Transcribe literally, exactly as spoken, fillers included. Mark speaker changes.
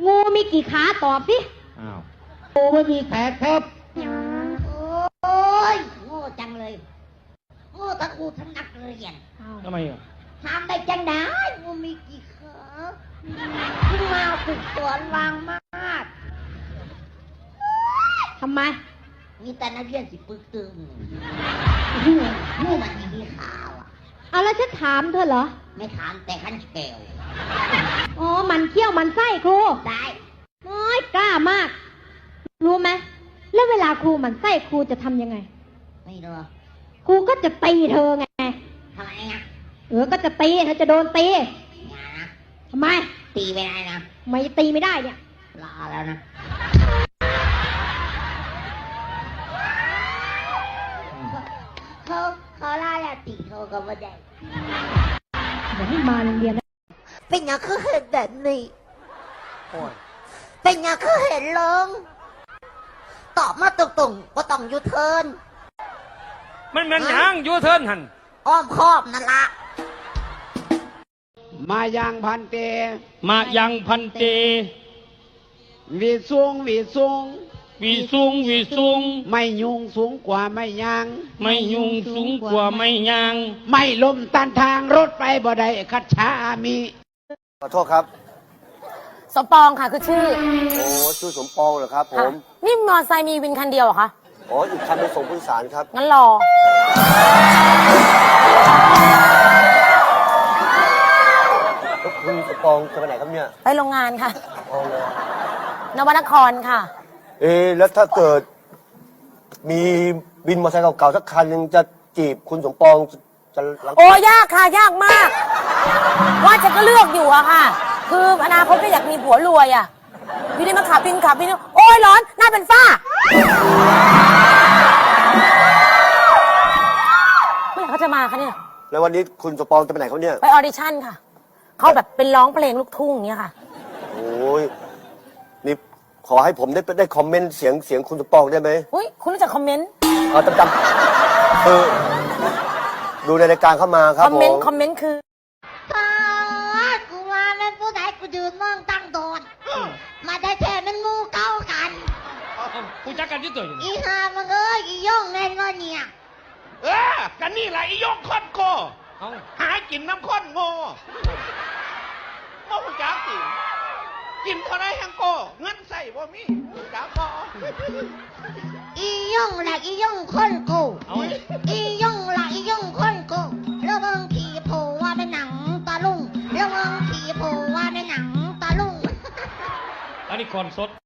Speaker 1: งูมีกี่ขาตอบสิ
Speaker 2: อ้าวงูไม่มีแขนครับ
Speaker 3: โอ้ยโง่จังเลยโง่ทั้งครูทั้งนักเรียน
Speaker 2: ทำไมอ่ะ
Speaker 3: ทำได้จังได้งูมีกี่ขาขึ้นมาฝึกสอนวางมาด
Speaker 1: ทำไม
Speaker 3: มีแต่นักเรียนสิปึกตึงงูมันมีกี่ขาอ่ะ
Speaker 1: เอาแล้วฉันถามเธอเหรอ
Speaker 3: ไม่ถามแต่ขั้นเกล
Speaker 1: อ๋อมันเขี้ยวมันไส้ครู
Speaker 3: ได้
Speaker 1: น้อยกล้ามากรู้ไหมแล้วเวลาครูมันไส้ครูจะทำยังไง
Speaker 3: ไม่รู้
Speaker 1: ครูก็จะตีเธอไง
Speaker 3: ทำไมอ่ะ
Speaker 1: เออก็จะตีเธอจะโดนตี
Speaker 3: อย่านะ
Speaker 1: ทำไม
Speaker 3: ตีไม่ได้นะ
Speaker 1: ไม่ตีไม่ได้เนี่ย
Speaker 3: ลาแล้วนะเขาเขาลาแล้วตีเขาก็ไม่ได้
Speaker 1: เดี๋ยวให้มาโรงเรียนนะ
Speaker 3: เป็นอย่างคือเห็นแบบนี้เป็นอย่างคือเห็นลงตอบมาตรงๆว่าต้องยูเทิร์น
Speaker 2: มันมันยังยูเทิร์นหัน
Speaker 3: อ้อมครอบนั่นละ
Speaker 4: มายังพันเต
Speaker 2: มายังพันเต
Speaker 4: วีสูงวีสูง
Speaker 2: วีสูงวีสูง
Speaker 4: ไม่ยุงสูงกว่าไม่ยาง
Speaker 2: ไม่ยุงสูงกว่าไม่ยาง
Speaker 4: ไม่ลมตันทางรถไปบ่ได้คัดช้ามี
Speaker 5: ขอโทษครับ
Speaker 6: สมปองค่ะคือชื่อ
Speaker 5: โอ้ชื่อสมปองเหรอครับผม
Speaker 6: นี่มอเตอร์ไซค์มีวินคันเดียวเหรอคะ
Speaker 5: อ๋ออีกคันไปส่งผู้โดยสารครับ
Speaker 6: งั้นรอ
Speaker 5: คุณสมปองจะไปไหนครับเนี่ย
Speaker 6: ไปโรงงานค่ะ
Speaker 5: อ๋อเลย
Speaker 6: นวนครค่ะ
Speaker 5: เอ๊แล้วถ้าเกิดมีวินมอเตอร์ไซค์เก่าๆสักคันนึงจะจีบคุณสมปองจะ
Speaker 6: โอ้ยากค่ะยากมากว่าจะก็เลือกอยู่อะค่ะคืออนาคตก็อยากมีผัวรวยอะอยู่ดีมาขับวินขับวินโอ้ยร้อนหน้าเป็นฝ้าเมื่อไหร่เขาจะมาคะเนี่ย
Speaker 5: แล้ววันนี้คุณสมปองจะไปไหนเขาเนี่ย
Speaker 6: ไปออดิชั่นค่ะเขาแบบเป็นร้องเพลงลูกทุ่งอย่างเงี้ยค่ะ
Speaker 5: โอ้ยนี่ขอให้ผมได้ได้คอมเมนต์เสียงเสียงคุณสมปองได้ไหม
Speaker 6: อุ้ยคุณรู้จักคอมเมนต์
Speaker 5: อ๋อจำจำเออดูในรายการเข้ามาครับผมคอมเมนต์
Speaker 6: คอมเมนต์คือ
Speaker 3: กูมาแม่ผู้ใดกูยืนมองตั้งโดนมาได้แท้มันงูเก้ากัน
Speaker 2: กูจักกันที่ตัวอยู่
Speaker 3: อีหามันเอ้ยอีย่องไงเงยเนี่ย
Speaker 2: เออกันนี่แหละอีย่องค้อนโกหากินน้ำข้นโง่โม่จักสิกินเท่าไรแห้งโกเงินใส่บ่มีจักบ่
Speaker 3: อีย่องแหละอีย่องคนโกอีย่องแหละอีย่องคนโกแล้วมึงขี่โผล่ว่าเป็นหนังตาลุงแล้วมึงขี่โผล่ว่าเป็นหนังตาลุง
Speaker 2: อันนี้ก่อนสด